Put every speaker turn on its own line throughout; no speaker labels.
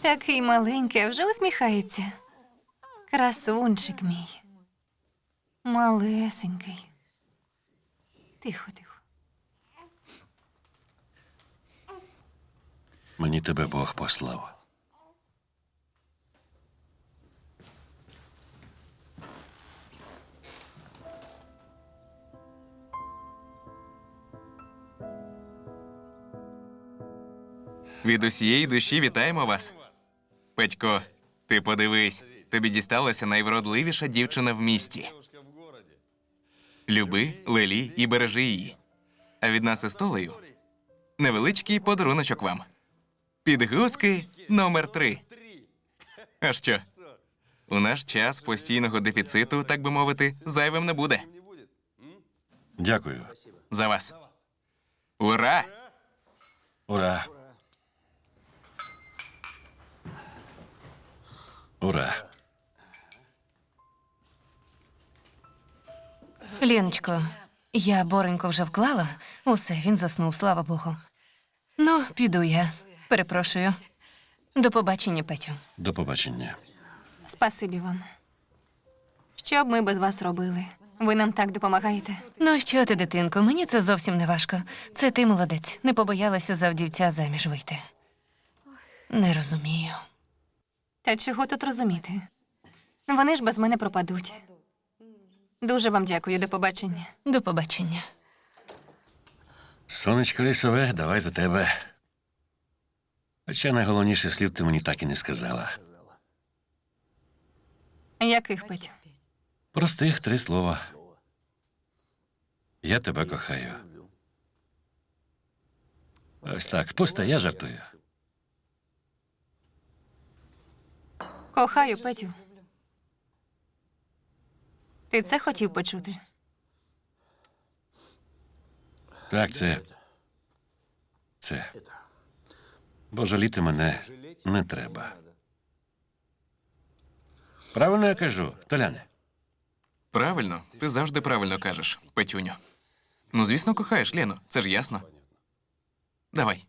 Такий маленький, а вже усміхається. Красунчик мій. Малесенький. Тихо, тихо.
Мені тебе Бог послав.
Від усієї душі вітаємо вас. Петько, ти подивись, тобі дісталася найвродливіша дівчина в місті. Люби, лелій і бережи її. А від нас із Толею невеличкий подаруночок вам. Підгузки номер 3. А що? У наш час постійного дефіциту, так би мовити, зайвим не буде.
Дякую.
За вас. Ура!
Ура. Ура.
Леночко, я Боренько вже вклала. Усе, він заснув, слава Богу. Ну, піду я. Перепрошую. До побачення, Петю.
До побачення.
Спасибі вам. Що б ми без вас робили? Ви нам так допомагаєте.
Ну що ти, дитинко, мені це зовсім не важко. Це ти молодець. Не побоялася за вдівця заміж вийти. Не розумію.
Та чого тут розуміти? Вони ж без мене пропадуть. Дуже вам дякую, до побачення.
До побачення.
Сонечко лісове, давай за тебе. Хоча найголовніше слів ти мені так і не сказала.
Яких, Петю?
Простих 3 слова. Я тебе кохаю. Ось так, пусте, я жартую.
Кохаю, Петю. Ти це хотів почути?
Так, це. Бо жаліти мене не треба. Правильно я кажу, Толяне?
Правильно, ти завжди правильно кажеш, Петюню. Ну, звісно, кохаєш Лену, це ж ясно. Давай.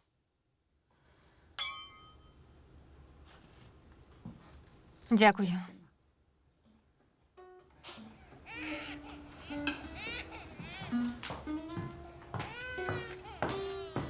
Дякую.